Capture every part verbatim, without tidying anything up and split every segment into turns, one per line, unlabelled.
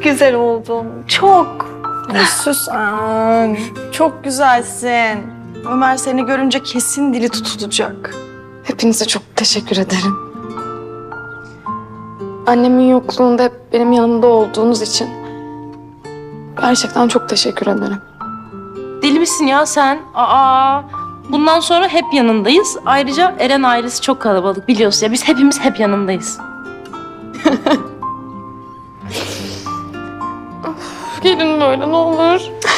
çok güzel oldun. Çok.
Ya Süsen, çok güzelsin. Ömer seni görünce kesin dili tutulacak.
Hepinize çok teşekkür ederim. Annemin yokluğunda hep benim yanımda olduğunuz için gerçekten çok teşekkür ederim.
Deli misin ya sen? Aa, bundan sonra hep yanındayız. Ayrıca Eren ailesi çok kalabalık biliyorsun ya. Biz hepimiz hep yanındayız.
Gelin böyle ne olur.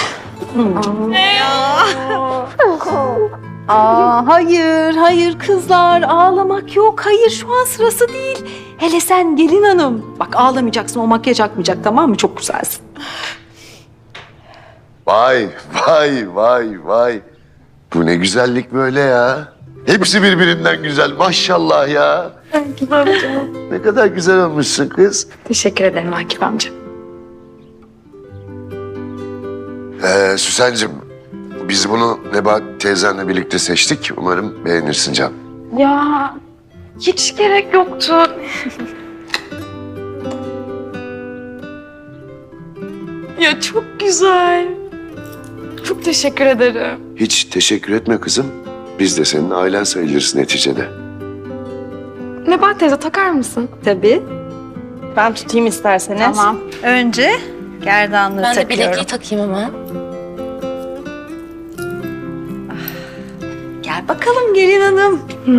Aa, hayır, hayır kızlar. Ağlamak yok. Hayır, şu an sırası değil. Hele sen gelin hanım. Bak ağlamayacaksın, o makyaj akmayacak, tamam mı? Çok güzelsin.
Vay, vay, vay, vay. Bu ne güzellik böyle ya. Hepsi birbirinden güzel. Maşallah ya. Ne kadar güzel olmuşsun kız.
Teşekkür ederim Akif amca.
Ee, Süsen'cim, biz bunu Nebahat teyzenle birlikte seçtik. Umarım beğenirsin Can.
Ya hiç gerek yoktu. Ya çok güzel. Çok teşekkür ederim.
Hiç teşekkür etme kızım. Biz de senin ailen sayılırız neticede.
Nebahat teyze takar mısın?
Tabii.
Ben tutayım isterseniz.
Tamam. Önce gerdanlığı
Ben de
takıyorum.
bilekliği takayım hemen.
Gel bakalım gelin hanım.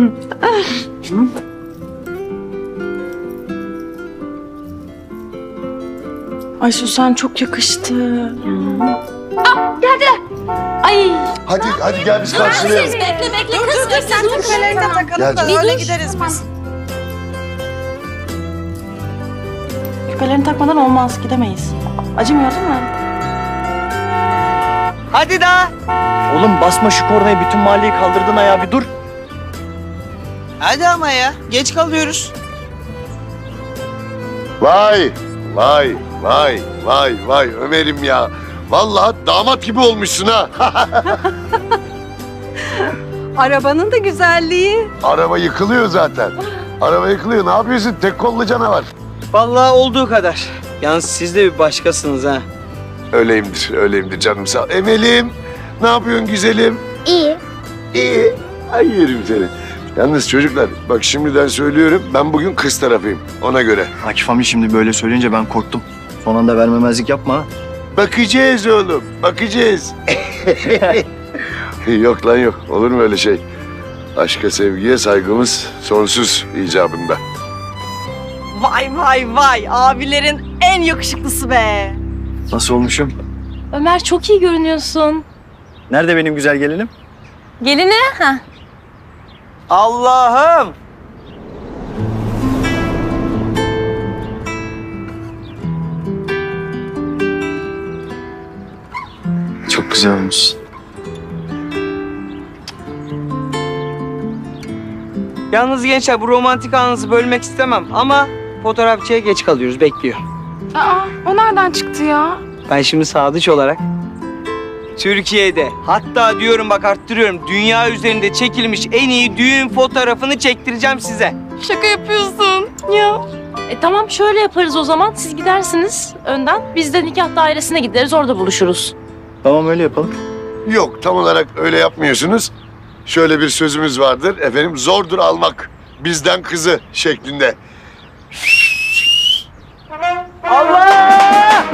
Ay Süsen çok yakıştı.
Ay,
Hadi, hadi gel biz karşılayalım.
bekle bekle kız. Dur,
Sen küpelerini de takalım
Gel
da
canım.
öyle gideriz biz. Küpelerini takmadan olmaz, gidemeyiz. Acımıyor değil mi?
Hadi daha.
Oğlum basma şu kornayı, bütün mahalleyi kaldırdın ayağa, bir dur.
Hadi ama ya. Geç kalıyoruz.
Vay, vay, vay, vay, vay Ömer'im ya. Vallahi damat gibi olmuşsun ha.
Arabanın da güzelliği.
Araba yıkılıyor zaten. Araba yıkılıyor. Ne yapıyorsun? Tek kollu canavar.
Vallahi olduğu kadar. Yalnız siz de bir başkasınız ha.
Öyleyimdir, öyleyimdir canım sağ ol. Emel'im, ne yapıyorsun güzelim?
İyi.
İyi. Ay yerim seni. Yalnız çocuklar, bak şimdiden söylüyorum, ben bugün kız tarafıyım. Ona göre.
Akif amca şimdi böyle söyleyince ben korktum. Son anda vermemezlik yapma ha.
Bakacağız oğlum, bakacağız. Yok lan yok, olur mu öyle şey? Aşka, sevgiye saygımız sonsuz icabında.
Vay vay vay, abilerin en yakışıklısı be.
Nasıl olmuşum?
Ömer çok iyi görünüyorsun.
Nerede benim güzel gelinim?
Gelini? Ha.
Allah'ım.
Çok güzel olmuşsun.
Yalnız gençler bu romantik anınızı bölmek istemem ama fotoğrafçıya geç kalıyoruz. Bekliyor.
Aa, o nereden çıktı ya?
Ben şimdi sadıç olarak Türkiye'de, hatta diyorum bak arttırıyorum, dünya üzerinde çekilmiş en iyi düğün fotoğrafını çektireceğim size.
Şaka yapıyorsun. Ya.
E tamam şöyle yaparız o zaman. Siz gidersiniz önden. Biz de nikah dairesine gideriz, orada buluşuruz.
Tamam öyle yapalım.
Yok, tam olarak öyle yapmıyorsunuz. Şöyle bir sözümüz vardır, efendim zordur almak bizden kızı şeklinde.
Allah!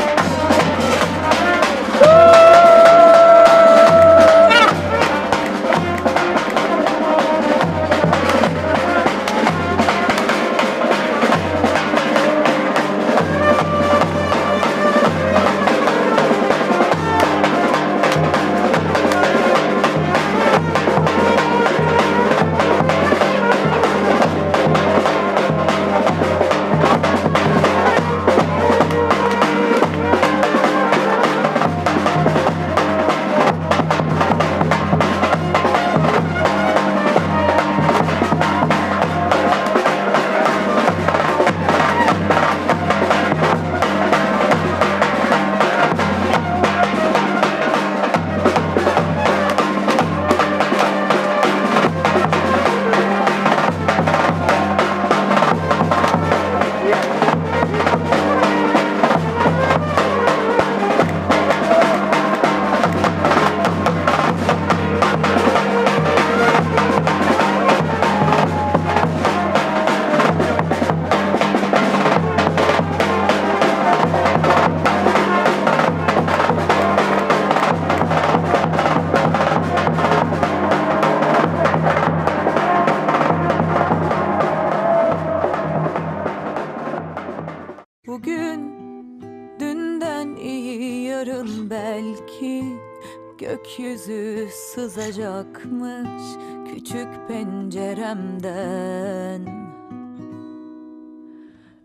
gökyüzü sızacakmış küçük penceremden.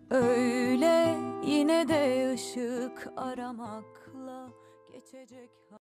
Öyle yine de ışık aramakla geçecek.